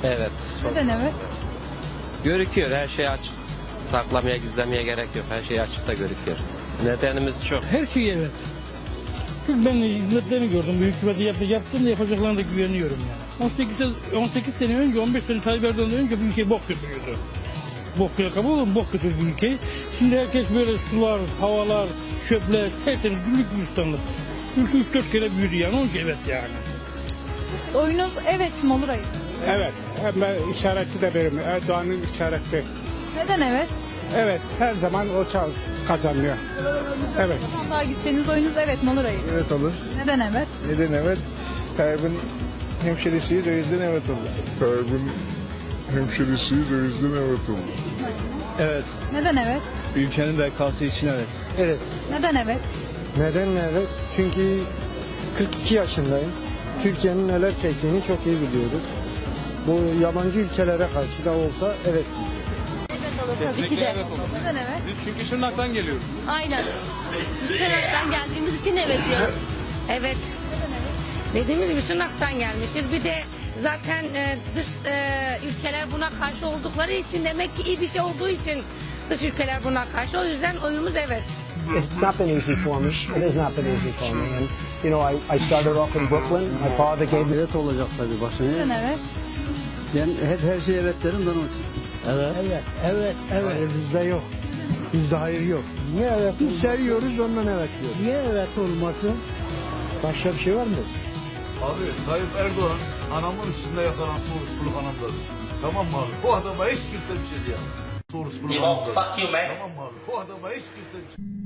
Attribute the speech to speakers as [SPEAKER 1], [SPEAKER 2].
[SPEAKER 1] Evet.
[SPEAKER 2] Neden evet?
[SPEAKER 1] Görüküyor, her şey açık. Saklamaya, gizlemeye gerek yok. Her şey açıkta görüküyor. Nedenimiz çok.
[SPEAKER 3] Her şey evet. Çünkü ben hizmetlerini gördüm. Bu hükümeti yaptım da yapacaklarına da güveniyorum yani. 18 sene önce, 15 sene Tayyip Erdoğan'dan önce bu ülke bok götürüyordu. Bok kabul olur mu? Bok götürdü ülkeyi. Şimdi herkes böyle sular, havalar, çöpler, tertemiz güllük gülistanlık. Ülke 3-4 kere büyüdü yani. Onun için evet yani.
[SPEAKER 2] Oyunuz evet mi olur hayır?
[SPEAKER 4] Evet, ben işaretli de benim. Erdoğan'ın işareti.
[SPEAKER 2] Neden evet?
[SPEAKER 4] Evet, her zaman o kazanıyor. Evet.
[SPEAKER 2] Sandığa gitseniz oyunuz evet mi olur hayır?
[SPEAKER 5] Evet olur.
[SPEAKER 2] Neden evet?
[SPEAKER 5] Neden evet? Tayyip'in hemşerisiyiz, o yüzden evet olur.
[SPEAKER 6] Tayyip'in hemşerisiyiz, o yüzden evet oldu.
[SPEAKER 5] Evet.
[SPEAKER 2] Neden evet?
[SPEAKER 5] Ülkenin bekası için evet.
[SPEAKER 7] Evet.
[SPEAKER 2] Neden evet?
[SPEAKER 7] Neden evet? Çünkü 42 yaşındayım. Türkiye'nin neler çektiğini çok iyi biliyoruz. Bu yabancı ülkelere karşı da olsa evet.
[SPEAKER 8] Tabii ki de.
[SPEAKER 2] Neden evet?
[SPEAKER 9] Biz çünkü Şırnak'tan geliyoruz.
[SPEAKER 8] Aynen. Biz Şırnak'tan geldiğimiz için evet diyorum. Evet. Dediğimiz gibi Şırnak'tan gelmişiz. Bir de zaten dış ülkeler buna karşı oldukları için demek ki iyi bir şey olduğu için dış ülkeler buna karşı. O yüzden oyumuz evet.
[SPEAKER 10] It's not been easy for me. It has not been easy for me. And you know, I started off in Brooklyn. My father gave me.
[SPEAKER 7] Evet olacak tabii başına.
[SPEAKER 2] Neden evet?
[SPEAKER 7] Ben hep her şeye evet derim de onun için.
[SPEAKER 10] Evet, evet. Hayır bizde yok. Bizde hayır yok. Niye evet? Biz seviyoruz ondan evet diyoruz. Niye evet olmasın? Başka bir şey var mı?
[SPEAKER 11] Abi Tayyip Erdoğan anamın üstünde yakalan soruşturuluk anamdır. Tamam mı abi? Bu adama hiç kimse bir şey diyemez. Soruşturuluk anamdır. Tamam mı abi? Bu adama hiç kimse bir şey